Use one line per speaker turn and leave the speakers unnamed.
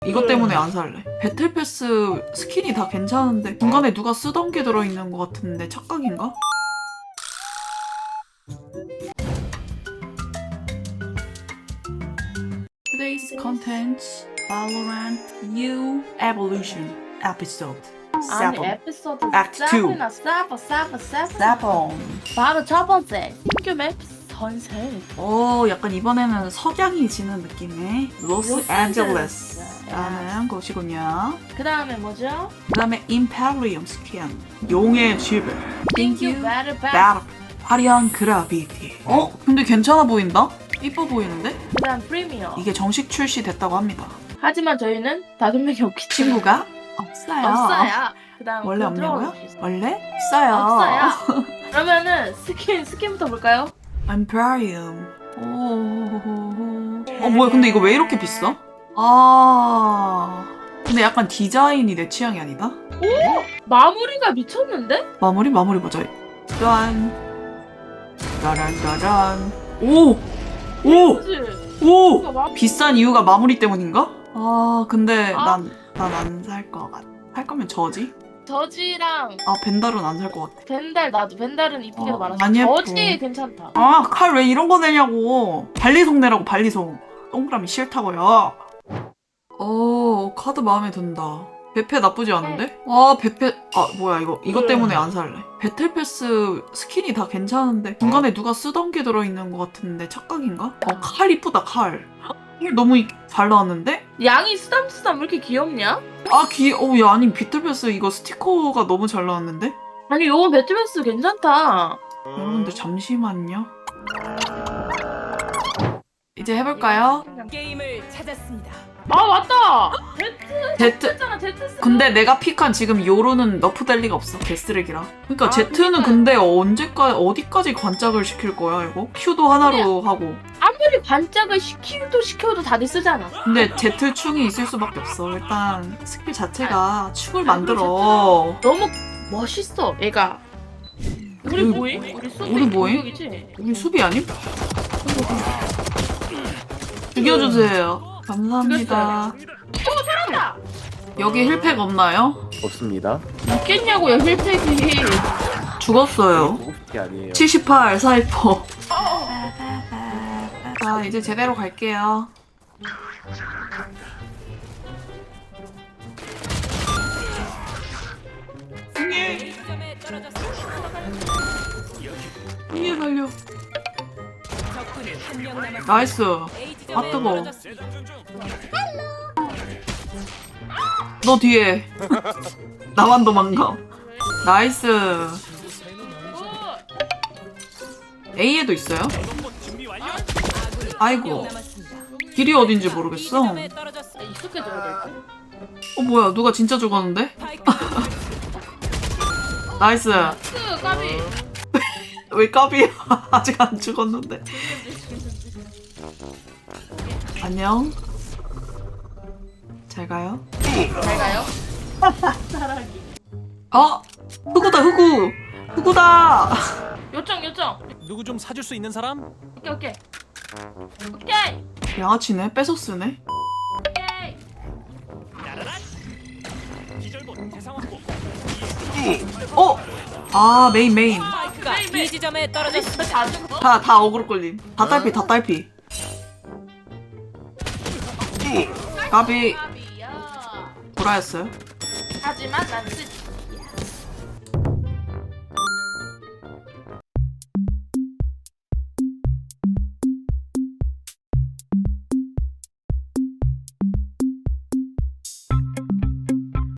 이것 때문에 안 살래. 배틀패스 스킨이 다 괜찮은데 중간에 누가 쓰던 게 들어있는 것 같은데 착각인가? Today's content Valorant New Evolution Episode 7
아니 에피소드
Act 2.
7이나 세븐 바로 첫 번째 신규 맵 선셋.
약간 이번에는 석양이 지는 느낌의 로스앤젤레스라는 곳이군요.
그 다음에 뭐죠?
그 다음에 임페리엄 스킨 용의 집을
신규 배틀
나 화려한 그라비티. 근데 괜찮아 보인다? 이뻐 보이는데?
그 다음 프리미어.
이게 정식 출시됐다고 합니다.
하지만 저희는 5명이 없기 때문에
친구가 없어요.
없어요. 그 다음
원래 없냐고요? 원래 있어요.
없어요. 그러면은 스킨부터 볼까요?
임페리엄. 뭐야 근데 이거 왜 이렇게 비싸? 근데 약간 디자인이 내 취향이 아니다?
마무리가 미쳤는데?
마무리 보자. 짠. 짜란.
그치?
비싼 이유가 마무리 때문인가? 근데
아.
난 안 살 것 같아. 할 거면 저지?
저지랑
벤달은 안 살 것 같아.
벤달 나도 벤달은 이쁘게 많았어.
안 예뻐.
저지 괜찮다.
칼 왜 이런 거 내냐고. 발리송 내라고, 발리송. 동그라미 싫다고요. 카드 마음에 든다. 베페 나쁘지 않은데? 베페. 뭐야, 이것 때문에 안 살래. 배틀패스 스킨이 다 괜찮은데 중간에 누가 쓰던 게 들어있는 것 같은데 착각인가? 칼 이쁘다, 칼. 칼 너무 잘 나왔는데?
양이 쓰담쓰담 왜 이렇게 귀엽냐?
야, 아니, 배틀패스 이거 스티커가 너무 잘 나왔는데?
아니 요거 배틀패스 괜찮다.
여러분들 잠시만요. 이제 해볼까요?
게임을 찾았습니다.
맞다.
제트.
했잖아 제트.
근데 내가 픽한 지금 요로는 너프될 리가 없어. 개쓰레기라. 그러니까 Z는
그러니까요.
근데 어디까지 관짝을 시킬 거야 이거? Q도 하나로 하고.
아무리 반짝을 시켜도 다들 쓰잖아.
근데 Z충이 있을 수밖에 없어. 일단 스킬 자체가 축을
아,
만들어.
너무 멋있어 얘가. 우리
우리-
뭐임? 우리 수비
우리 뭐임?
공격이지?
우리 수비 아님? 죽여주세요. 감사합니다.
살았다.
여기 힐팩 없나요?
없습니다.
있겠냐고요 힐팩이.
죽었어요.
고급이 아니에요.
78 사이퍼. 자, 이제 제대로 갈게요. 승희!
점에 떨어졌습니다.
승희 살려.
적군이 한 명 남았습니다.
나이스.
A 지점에
뜨거워.
떨어졌습니다.
너 뒤에. 나만 도망가. 나이스. A에도 있어요? 아이고.
남았습니다.
길이 어딘지
B
모르겠어.
지점에 떨어졌습니다.
익숙해져야 될 듯.
뭐야, 누가 진짜 죽었는데?
파이크
나이스.
까비.
왜 까비야? 아직 안 죽었는데. 안녕. 잘 가요.
잘 가요. 사랑이.
흑우다, 흑우. 흑우다.
요청.
누구 좀 사줄 수 있는 사람?
오케이.
양아치네. 뺏어 쓰네.
기절본 대상 확보.
메인.
파이크가 B 지점에 떨어졌습니다.
다 죽어.
다 어그로 끌림. 다 딸피. 까비.
까비야.
보라였어요.
하지만 난 쓰지.